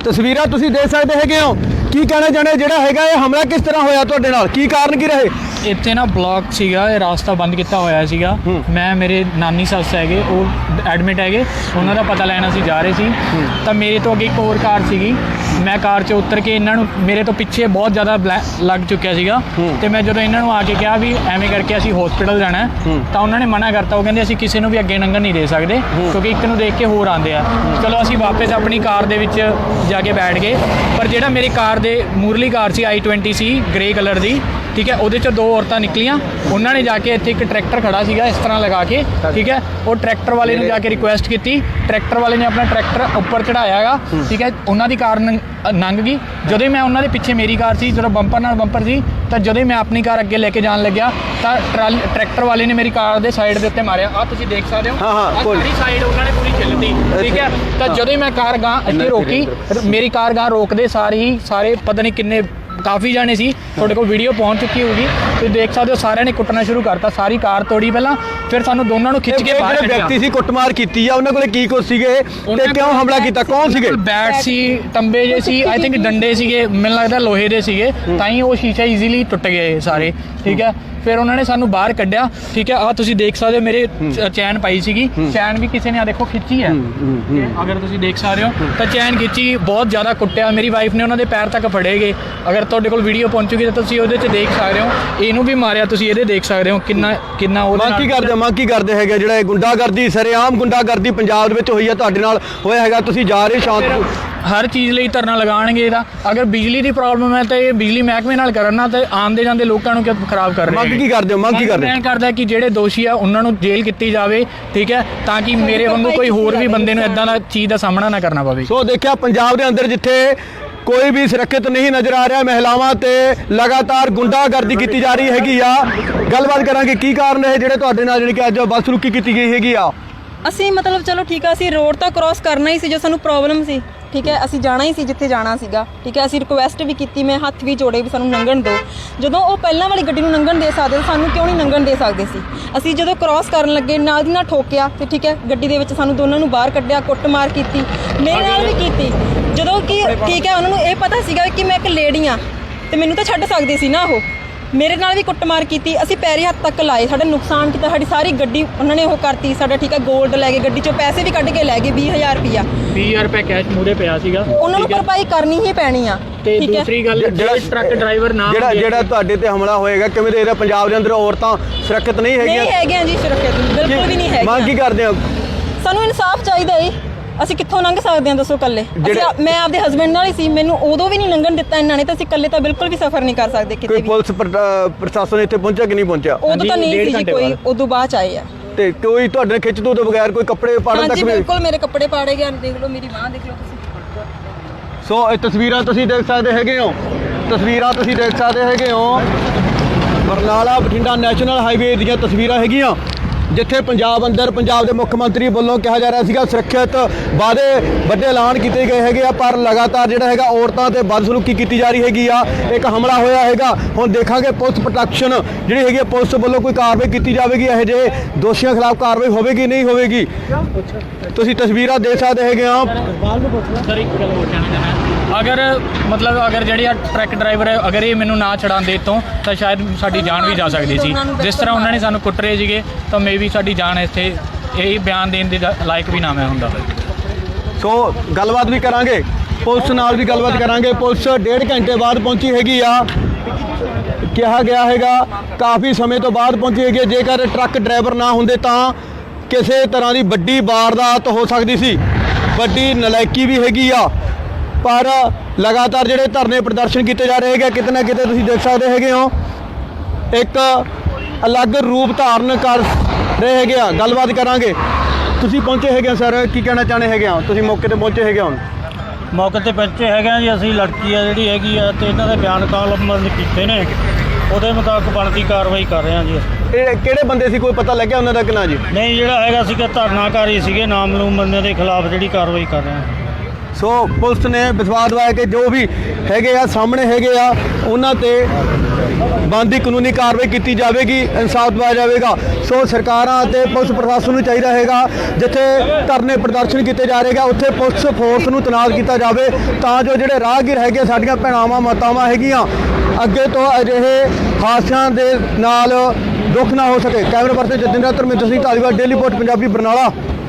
ਤਸਵੀਰਾਂ ਤੁਸੀਂ ਦੇਖ ਸਕਦੇ ਹੈਗੇ ਹੋ। ਕੀ ਕਹਿਣਾ ਚਾਹੁੰਦੇ ਜਿਹੜਾ ਹੈਗਾ ਇਹ ਹਮਲਾ ਕਿਸ ਤਰ੍ਹਾਂ ਹੋਇਆ ਤੁਹਾਡੇ ਨਾਲ, ਕੀ ਕਾਰਨ ਕੀ ਰਹੇ? ਇੱਥੇ ਨਾ ਬਲੌਕ ਸੀਗਾ, ਇਹ ਰਾਸਤਾ ਬੰਦ ਕੀਤਾ ਹੋਇਆ ਸੀਗਾ। ਮੈਂ ਮੇਰੇ ਨਾਨੀ ਸੱਸ ਹੈਗੇ, ਉਹ ਐਡਮਿਟ ਹੈਗੇ, ਉਹਨਾਂ ਦਾ ਪਤਾ ਲੈਣ ਅਸੀਂ ਜਾ ਰਹੇ ਸੀ। ਤਾਂ ਮੇਰੇ ਤੋਂ ਅੱਗੇ ਇੱਕ ਹੋਰ ਕਾਰ ਸੀਗੀ, ਮੈਂ ਕਾਰ 'ਚ ਉਤਰ ਕੇ ਇਹਨਾਂ ਨੂੰ, ਮੇਰੇ ਤੋਂ ਪਿੱਛੇ ਬਹੁਤ ਜ਼ਿਆਦਾ ਲੱਗ ਚੁੱਕਿਆ ਸੀਗਾ। ਤੇ ਮੈਂ ਜਦੋਂ ਇਹਨਾਂ ਨੂੰ ਆ ਕੇ ਕਿਹਾ ਵੀ ਐਵੇਂ ਕਰਕੇ ਅਸੀਂ ਹਸਪੀਟਲ ਜਾਣਾ ਹੈ, ਤਾਂ ਉਹਨਾਂ ਨੇ ਮਨਾ ਕਰਤਾ। ਉਹ ਕਹਿੰਦੇ ਅਸੀਂ ਕਿਸੇ ਨੂੰ ਵੀ ਅੱਗੇ ਲੰਘਣ ਨਹੀਂ ਦੇ ਸਕਦੇ, ਕਿਉਂਕਿ ਇੱਕ ਨੂੰ ਦੇਖ ਕੇ ਹੋਰ ਆਉਂਦੇ ਆ। ਚਲੋ ਅਸੀਂ ਵਾਪਸ ਆਪਣੀ ਕਾਰ ਦੇ ਵਿੱਚ ਜਾ ਕੇ ਬੈਠ ਗਏ। ਪਰ ਜਿਹੜਾ ਮੇਰੀ ਕਾਰ ਦੇ ਮੂਰਲੀ ਕਾਰ ਸੀ i20 ਸੀ ਗ੍ਰੇ ਕਲਰ ਦੀ, ਠੀਕ ਹੈ, ਉਹਦੇ 'ਚੋਂ 2 ਔਰਤਾਂ ਨਿਕਲੀਆਂ। ਉਹਨਾਂ ਨੇ ਜਾ ਕੇ ਇੱਥੇ ਇੱਕ ਟਰੈਕਟਰ ਖੜਾ ਸੀਗਾ ਇਸ ਤਰ੍ਹਾਂ ਲਗਾ ਕੇ, ਠੀਕ ਹੈ, ਉਹ ਟਰੈਕਟਰ ਵਾਲੇ ਨੂੰ ਜਾ ਕੇ ਰਿਕੁਐਸਟ ਕੀਤੀ। ਟਰੈਕਟਰ ਵਾਲੇ ਨੇ ਆਪਣਾ ਟਰੈਕਟਰ ਉੱਪਰ ਚੜਾਇਆ ਹੈਗਾ, ਠੀਕ ਹੈ, ਉਹਨਾਂ ਦੀ ਕਾਰ ਲੰਘ ਗਈ। ਜਦੋਂ ਮੈਂ ਉਹਨਾਂ ਦੇ ਪਿੱਛੇ ਮੇਰੀ ਕਾਰ ਸੀ, ਜਦੋਂ ਬੰਪਰ ਨਾਲ ਬੰਪਰ ਸੀ, ਤਾਂ ਜਦੋਂ ਮੈਂ ਆਪਣੀ ਕਾਰ ਅੱਗੇ ਲੈ ਕੇ ਜਾਣ ਲੱਗਿਆ ਤਾਂ ਟਰੈਕਟਰ ਵਾਲੇ ਨੇ ਮੇਰੀ ਕਾਰ ਦੇ ਸਾਈਡ ਦੇ ਉੱਤੇ ਮਾਰਿਆ। ਆਹ ਤੁਸੀਂ ਦੇਖ ਸਕਦੇ ਹੋ, ਸਾਰੀ ਸਾਈਡ ਉਹਨਾਂ ਨੇ ਪੂਰੀ ਛਿੱਲਤੀ, ਠੀਕ ਹੈ। ਤਾਂ ਜਦੋਂ ਮੈਂ ਕਾਰ ਗਾਂ ਇੱਥੇ ਰੋਕੀ, ਮੇਰੀ ਕਾਰ ਗਾਂ ਰੋਕਦੇ ਸਾਰੇ ਹੀ ਸਾਰੇ ਪਤਾ ਨਹੀਂ ਕਿੰਨੇ ਕਾਫੀ ਜਾਣੇ ਸੀ, ਤੁਹਾਡੇ ਕੋਲ ਵੀਡੀਓ ਪਹੁੰਚ ਚੁੱਕੀ ਹੋਊਗੀ, ਤੁਸੀਂ ਦੇਖ ਸਕਦੇ ਹੋ, ਸਾਰਿਆਂ ਨੇ ਕੁੱਟਣਾ ਸ਼ੁਰੂ ਕਰਤਾ। ਸਾਰੀ ਕਾਰ ਤੋੜੀ ਪਹਿਲਾਂ, ਫਿਰ ਸਾਨੂੰ ਦੋਨਾਂ ਨੂੰ ਖਿੱਚ ਕੇ ਬਾਹਰ ਕੱਢਿਆ। ਵਿਅਕਤੀ ਸੀ ਕੁੱਟਮਾਰ ਕੀਤੀ ਆ, ਉਹਨਾਂ ਕੋਲੇ ਕੀ ਕੁਛ ਸੀਗੇ ਤੇ ਕਿਉਂ ਹਮਲਾ ਕੀਤਾ, ਕੌਣ ਸੀਗੇ? ਬੈਟ ਸੀ, ਤੰਬੇ ਜੇ ਸੀ, ਆਈ ਥਿੰਕ ਡੰਡੇ ਸੀਗੇ, ਮੈਨੂੰ ਲੱਗਦਾ ਲੋਹੇ ਦੇ ਸੀਗੇ, ਤਾਂ ਹੀ ਉਹ ਸ਼ੀਸ਼ਾ ਈਜ਼ੀਲੀ ਟੁੱਟ ਗਏ ਸਾਰੇ, ਠੀਕ ਹੈ। ਫਿਰ ਉਹਨਾਂ ਨੇ ਸਾਨੂੰ ਬਾਹਰ ਕੱਢਿਆ, ਠੀਕ ਹੈ। ਆਹ ਤੁਸੀਂ ਦੇਖ ਸਕਦੇ ਹੋ ਮੇਰੇ ਚੈਨ ਪਾਈ ਸੀਗੀ, ਚੈਨ ਵੀ ਕਿਸੇ ਨੇ ਆ ਦੇਖੋ ਖਿੱਚੀ ਹੈ, ਅਗਰ ਤੁਸੀਂ ਦੇਖ ਸਕਦੇ ਹੋ ਤਾਂ ਚੈਨ ਖਿੱਚੀ, ਬਹੁਤ ਜ਼ਿਆਦਾ ਕੁੱਟਿਆ। ਮੇਰੀ ਵਾਈਫ ਨੇ ਉਹਨਾਂ ਦੇ ਪੈਰ ਤੱਕ ਫੜੇ ਗਏ। ਅਗਰ ਤੁਹਾਡੇ ਕੋਲ ਵੀਡੀਓ ਪਹੁੰਚੂਗੀ ਤਾਂ ਤੁਸੀਂ ਉਹਦੇ 'ਚ ਦੇਖ ਸਕਦੇ ਹੋ। ਇਹਨੂੰ ਵੀ ਮਾਰਿਆ, ਤੁਸੀਂ ਇਹਦੇ ਦੇਖ ਸਕਦੇ ਹੋ ਕਿੰਨਾ ਉਹ ਮੰਗ ਕੀ ਕਰਦੇ ਹੈਗੇ ਜਿਹੜਾ ਇਹ ਗੁੰਡਾਗਰਦੀ, ਸਰੇਆਮ ਗੁੰਡਾਗਰਦੀ ਪੰਜਾਬ ਦੇ ਵਿੱਚ ਹੋਈ ਹੈ, ਤੁਹਾਡੇ ਨਾਲ ਹੋਇਆ ਹੈਗਾ, ਤੁਸੀਂ ਜਾ ਰਹੇ ਸ਼ਾਂਤ ਹਰ ਚੀਜ਼ ਲਈ ਧਰਨਾ ਲਗਾਉਣਗੇ। ਇਹਦਾ ਅਗਰ ਬਿਜਲੀ ਦੀ ਪ੍ਰੋਬਲਮ ਹੈ ਤਾਂ ਇਹ ਬਿਜਲੀ ਮਹਿਕਮੇ ਨਾਲ ਕਰਨਾ, ਤੇ ਆਉਂਦੇ ਜਾਂਦੇ ਲੋਕਾਂ ਨੂੰ ਕਿਉਂ ਖਰਾਬ ਕਰ ਰਹੇ? ਮੰਗ ਕੀ ਕਰਦੇ ਹੋ? ਮੰਗ ਕੀ ਕਰਦੇ? ਮੈਂ ਕਰਦਾ ਕਿ ਜਿਹੜੇ ਦੋਸ਼ੀ ਆ ਉਹਨਾਂ ਨੂੰ ਜੇਲ੍ਹ ਕੀਤੀ ਜਾਵੇ, ਠੀਕ ਹੈ, ਤਾਂ ਕਿ ਮੇਰੇ ਵਾਂਗੂ ਕੋਈ ਹੋਰ ਵੀ ਬੰਦੇ ਨੂੰ ਇਦਾਂ ਦਾ ਚੀਜ਼ ਦਾ ਸਾਹਮਣਾ ਨਾ ਕਰਨਾ ਪਵੇ। ਸੋ ਦੇਖਿਆ ਪੰਜਾਬ ਦੇ ਅੰਦਰ ਜਿੱਥੇ ਕੋਈ ਵੀ ਸੁਰੱਖਿਅਤ ਨਹੀਂ ਨਜ਼ਰ ਆ ਰਿਹਾ, ਮਹਿਲਾਵਾਂ ਤੇ ਲਗਾਤਾਰ ਗੁੰਡਾਗਰਦੀ ਕੀਤੀ ਜਾ ਰਹੀ ਹੈਗੀ ਆ। ਗੱਲਬਾਤ ਕਰਾਂਗੇ ਕੀ ਕਾਰਨ ਹੈ ਜਿਹੜੇ ਤੁਹਾਡੇ ਨਾਲ ਜਿਹੜੀ ਕਿ ਅੱਜ ਬੱਸ ਰੁਕੀ ਕੀਤੀ ਗਈ ਹੈਗੀ ਆ। ਅਸੀਂ ਮਤਲਬ ਚਲੋ ਠੀਕ ਆ, ਅਸੀਂ ਰੋਡ ਤਾਂ ਕ੍ਰਾਸ ਕਰਨਾ ਹੀ ਸੀ, ਜੋ ਸਾਨੂੰ ਪ੍ਰੋਬਲਮ ਸੀ, ਠੀਕ ਹੈ, ਅਸੀਂ ਜਾਣਾ ਹੀ ਸੀ ਜਿੱਥੇ ਜਾਣਾ ਸੀਗਾ, ਠੀਕ ਹੈ। ਅਸੀਂ ਰਿਕੁਐਸਟ ਵੀ ਕੀਤੀ, ਮੈਂ ਹੱਥ ਵੀ ਜੋੜੇ ਵੀ ਸਾਨੂੰ ਲੰਘਣ ਦਿਓ। ਜਦੋਂ ਉਹ ਪਹਿਲਾਂ ਵਾਲੀ ਗੱਡੀ ਨੂੰ ਲੰਘਣ ਦੇ ਸਕਦੇ, ਸਾਨੂੰ ਕਿਉਂ ਨਹੀਂ ਲੰਘਣ ਦੇ ਸਕਦੇ ਸੀ? ਅਸੀਂ ਜਦੋਂ ਕ੍ਰਾਸ ਕਰਨ ਲੱਗੇ ਨਾਲ ਦੀ ਨਾਲ ਠੋਕਿਆ, ਤੇ ਠੀਕ ਹੈ, ਗੱਡੀ ਦੇ ਵਿੱਚ ਸਾਨੂੰ ਦੋਨਾਂ ਨੂੰ ਬਾਹਰ ਕੱਢਿਆ, ਕੁੱਟਮਾਰ ਕੀਤੀ, ਮੇਰੇ ਨਾਲ ਵੀ ਕੀਤੀ। ਜਦੋਂ ਕਿ ਠੀਕ ਹੈ, ਉਹਨਾਂ ਨੂੰ ਇਹ ਪਤਾ ਸੀਗਾ ਕਿ ਮੈਂ ਇੱਕ ਲੇਡੀ ਆ ਤੇ ਮੈਨੂੰ ਤਾਂ ਛੱਡ ਸਕਦੇ ਸੀ ਨਾ, ਉਹ ਮੇਰੇ ਨਾਲ ਵੀ ਕੁੱਟਮਾਰ ਕੀਤੀ। ਅਸੀਂ ਪੈਰੀ ਹੱਥ ਤੱਕ ਲਾਏ, ਸਾਡਾ ਨੁਕਸਾਨ ਕੀਤਾ, ਸਾਡੀ ਸਾਰੀ ਗੱਡੀ ਉਹਨਾਂ ਨੇ ਉਹ ਕਰਤੀ ਸਾਡਾ, ਠੀਕ ਹੈ। ਗੋਲਡ ਲੈ ਗਏ, ਗੱਡੀ 'ਚੋਂ ਪੈਸੇ ਵੀ ਕੱਢ ਕੇ ਲੈ ਗਏ, 20,000 ਰੁਪਇਆ 20,000 ਰੁਪਏ ਕੈਸ਼ ਮੂਰੇ ਪਿਆ ਸੀਗਾ, ਉਹਨਾਂ ਨੂੰ ਭਰਪਾਈ ਕਰਨੀ ਹੀ ਪੈਣੀ ਆ। ਤੇ ਦੂਸਰੀ ਗੱਲ, ਜਿਹੜਾ ਟਰੱਕ ਡਰਾਈਵਰ ਨਾ ਜਿਹੜਾ ਤੁਹਾਡੇ ਤੇ ਹਮਲਾ ਹੋਏਗਾ, ਕਿਵੇਂ ਦੇ ਰਿਹਾ? ਪੰਜਾਬ ਦੇ ਅੰਦਰ ਔਰਤਾਂ ਸੁਰੱਖਿਅਤ ਨਹੀਂ ਹੈਗੀਆਂ? ਨਹੀਂ ਹੈਗੀਆਂ ਜੀ, ਸੁਰੱਖਿਅਤ ਬਿਲਕੁਲ ਵੀ ਨਹੀਂ ਹੈਗੀਆਂ। ਮੰਗ ਕੀ ਕਰਦੇ ਹੋ? ਸਾਨੂੰ ਇਨਸਾਫ ਚਾਹੀਦਾ ਹੈ। ਅਸੀਂ ਕਿੱਥੋਂ ਲੰਘ ਸਕਦੇ ਹਾਂ ਦੱਸੋ ਇਕੱਲੇ? ਮੈਂ ਆਪਦੇ ਹਸਬੈਂਡ ਨਾਲ ਹੀ ਸੀ, ਮੈਨੂੰ ਉਦੋਂ ਵੀ ਨਹੀਂ ਲੰਘਣ ਦਿੱਤਾ ਇਹਨਾਂ ਨੇ, ਤਾਂ ਅਸੀਂ ਇਕੱਲੇ ਤਾਂ ਬਿਲਕੁਲ ਵੀ ਸਫ਼ਰ ਨਹੀਂ ਕਰ ਸਕਦੇ ਕਿਤੇ ਵੀ। ਕੋਈ ਪੁਲਿਸ ਪ੍ਰਸ਼ਾਸਨ ਇੱਥੇ ਪਹੁੰਚਿਆ ਕਿ ਨਹੀਂ ਪਹੁੰਚਿਆ? ਉਦੋਂ ਤਾਂ ਨਹੀਂ ਸੀ ਜੀ ਕੋਈ, ਉਦੋਂ ਬਾਅਦ 'ਚ ਆਏ ਆ। ਤੇ ਕੋਈ ਤੁਹਾਡੇ ਖਿੱਚ ਤੋਂ ਬਗੈਰ ਕੋਈ ਕੱਪੜੇ ਪਾੜਨ ਤੱਕ? ਬਿਲਕੁਲ, ਮੇਰੇ ਕੱਪੜੇ ਪਾੜੇ ਗਏ, ਦੇਖ ਲਓ ਮੇਰੀ ਬਾਂਹ ਦੇਖ ਲਓ ਤੁਸੀਂ। ਸੋ ਇਹ ਤਸਵੀਰਾਂ ਤੁਸੀਂ ਦੇਖ ਸਕਦੇ ਹੈਗੇ ਹੋ, ਤਸਵੀਰਾਂ ਤੁਸੀਂ ਦੇਖ ਸਕਦੇ ਹੈਗੇ ਹੋ, ਬਰਨਾਲਾ ਬਠਿੰਡਾ ਨੈਸ਼ਨਲ ਹਾਈਵੇ ਦੀਆਂ ਤਸਵੀਰਾਂ ਹੈਗੀਆਂ, ਜਿੱਥੇ ਪੰਜਾਬ ਅੰਦਰ ਪੰਜਾਬ ਦੇ ਮੁੱਖ ਮੰਤਰੀ ਵੱਲੋਂ ਕਿਹਾ ਜਾ ਰਿਹਾ ਸੀਗਾ ਸੁਰੱਖਿਅਤ ਵਾਅਦੇ ਵੱਡੇ ਐਲਾਨ ਕੀਤੇ ਗਏ ਹੈਗੇ ਆ, ਪਰ ਲਗਾਤਾਰ ਜਿਹੜਾ ਹੈਗਾ ਔਰਤਾਂ ਤੇ ਬਦਸਲੂਕੀ ਕੀਤੀ ਜਾ ਰਹੀ ਹੈਗੀ ਆ। ਇੱਕ ਹਮਲਾ ਹੋਇਆ ਹੈਗਾ, ਹੁਣ ਦੇਖਾਂਗੇ ਪੁਲਿਸ ਪ੍ਰੋਟੈਕਸ਼ਨ ਜਿਹੜੀ ਹੈਗੀ ਪੁਲਿਸ ਵੱਲੋਂ ਕੋਈ ਕਾਰਵਾਈ ਕੀਤੀ ਜਾਵੇਗੀ, ਇਹੋ ਜਿਹੇ ਦੋਸ਼ੀਆਂ ਖਿਲਾਫ ਕਾਰਵਾਈ ਹੋਵੇਗੀ ਨਹੀਂ ਹੋਵੇਗੀ? ਤੁਸੀਂ ਤਸਵੀਰਾਂ ਦੇਖ ਸਕਦੇ ਹੈਗੇ ਆ। ਸਰ ਇੱਕ ਗੱਲ ਹੋਰ ਕਹਿਣਾ ਚਾਹੁੰਦਾ, ਅਗਰ ਜਿਹੜੀ ਟਰੱਕ ਡਰਾਈਵਰ ਹੈ, ਅਗਰ ਇਹ ਮੈਨੂੰ ਨਾ ਛਡਾਉਂਦੇ ਇੱਥੋਂ ਤਾਂ ਸ਼ਾਇਦ ਸਾਡੀ ਜਾਨ ਵੀ ਜਾ ਸਕਦੀ ਸੀ। ਜਿਸ ਤਰ੍ਹਾਂ ਉਹਨਾਂ ਨੇ ਸਾਨੂੰ ਕੁੱਟ ਰਹੇ ਸੀਗੇ, ਤਾਂ ਮੇਬੀ ਸਾਡੀ ਜਾਨ ਇੱਥੇ ਇਹ ਬਿਆਨ ਦੇਣ ਦੇ ਲਾਇਕ ਵੀ ਨਾ ਮੈਂ ਹੁੰਦਾ। ਸੋ ਗੱਲਬਾਤ ਵੀ ਕਰਾਂਗੇ, ਪੁਲਿਸ ਨਾਲ ਵੀ ਗੱਲਬਾਤ ਕਰਾਂਗੇ। ਪੁਲਿਸ 1.5 ਘੰਟੇ ਬਾਅਦ ਪਹੁੰਚੀ ਹੈਗੀ ਆ, ਕਿਹਾ ਗਿਆ ਹੈਗਾ ਕਾਫੀ ਸਮੇਂ ਤੋਂ ਬਾਅਦ ਪਹੁੰਚੀ ਹੈਗੀ। ਜੇਕਰ ਟਰੱਕ ਡਰਾਈਵਰ ਨਾ ਹੁੰਦੇ ਤਾਂ ਕਿਸੇ ਤਰ੍ਹਾਂ ਦੀ ਵੱਡੀ ਵਾਰਦਾਤ ਹੋ ਸਕਦੀ ਸੀ, ਵੱਡੀ ਨਲਾਇਕੀ ਵੀ ਹੈਗੀ ਆ। ਪਰ ਲਗਾਤਾਰ ਜਿਹੜੇ ਧਰਨੇ ਪ੍ਰਦਰਸ਼ਨ ਕੀਤੇ ਜਾ ਰਹੇ ਹੈਗੇ, ਕਿਤੇ ਨਾ ਕਿਤੇ ਤੁਸੀਂ ਦੇਖ ਸਕਦੇ ਹੈਗੇ ਹੋ ਇੱਕ ਅਲੱਗ ਰੂਪ ਧਾਰਨ ਕਰ ਰਹੇ ਹੈਗੇ ਆ। ਗੱਲਬਾਤ ਕਰਾਂਗੇ, ਤੁਸੀਂ ਪਹੁੰਚੇ ਹੈਗੇ ਸਰ, ਕੀ ਕਹਿਣਾ ਚਾਹੁੰਦੇ ਹੈਗੇ ਆ? ਤੁਸੀਂ ਮੌਕੇ ਤੇ ਪਹੁੰਚੇ ਹੈਗੇ ਹੋ? ਮੌਕੇ ਤੇ ਪਹੁੰਚੇ ਹੈਗੇ ਆ ਜੀ, ਅਸੀਂ ਲੜਕੀ ਆ ਜਿਹੜੀ ਹੈਗੀ ਆ ਤੇ ਇਹਨਾਂ ਦੇ ਬਿਆਨ ਕਾਲਮਬੰਦ ਕੀਤੇ ਨੇ, ਉਹਦੇ ਮੁਤਾਬਕ ਬਣਦੀ ਕਾਰਵਾਈ ਕਰ ਰਹੇ ਹਾਂ ਜੀ। ਇਹ ਕਿਹੜੇ ਬੰਦੇ ਸੀ, ਕੋਈ ਪਤਾ ਲੱਗਿਆ ਉਹਨਾਂ ਦਾ ਕਿ ਨਾ ਜੀ? ਨਹੀਂ, ਜਿਹੜਾ ਹੈਗਾ ਸੀਗਾ ਧਰਨਾਕਾਰੀ ਸੀਗੇ, ਨਾਮਲੂਮ ਬੰਦੇ ਦੇ ਖਿਲਾਫ ਜਿਹੜੀ ਕਾਰਵਾਈ ਕਰ ਰਹੇ ਹਾਂ। ਸੋ ਪੁਲਿਸ ਨੇ ਵਿਸ਼ਵਾਸ ਦਿਵਾਇਆ ਕਿ ਜੋ ਵੀ ਹੈਗੇ ਆ ਸਾਹਮਣੇ ਹੈਗੇ ਆ ਉਹਨਾਂ ਤੇ ਬਣਦੀ ਕਾਨੂੰਨੀ ਕਾਰਵਾਈ ਕੀਤੀ ਜਾਵੇਗੀ, ਇਨਸਾਫ ਦਿਵਾਇਆ ਜਾਵੇਗਾ। ਸੋ ਸਰਕਾਰਾਂ ਅਤੇ ਪੁਲਿਸ ਪ੍ਰਸ਼ਾਸਨ ਨੂੰ ਚਾਹੀਦਾ ਹੈਗਾ ਜਿੱਥੇ ਧਰਨੇ ਪ੍ਰਦਰਸ਼ਨ ਕੀਤੇ ਜਾ ਰਹੇ ਆ ਉੱਥੇ ਪੁਲਿਸ ਫੋਰਸ ਨੂੰ ਤੈਨਾਤ ਕੀਤਾ ਜਾਵੇ ਤਾਂ ਜੋ ਜਿਹੜੇ ਰਾਹਗੀਰ ਹੈਗੇ ਸਾਡੀਆਂ ਭੈਣਾਵਾਂ ਮਾਤਾਵਾਂ ਹੈਗੀਆਂ ਅੱਗੇ ਤੋਂ ਅਜਿਹੇ ਹਾਦਸਿਆਂ ਦੇ ਨਾਲ ਦੁੱਖ ਨਾ ਹੋ ਸਕੇ। Camera person Jatinder Dharminder Singh Dhaliwal, Daily Post Punjabi, Barnala.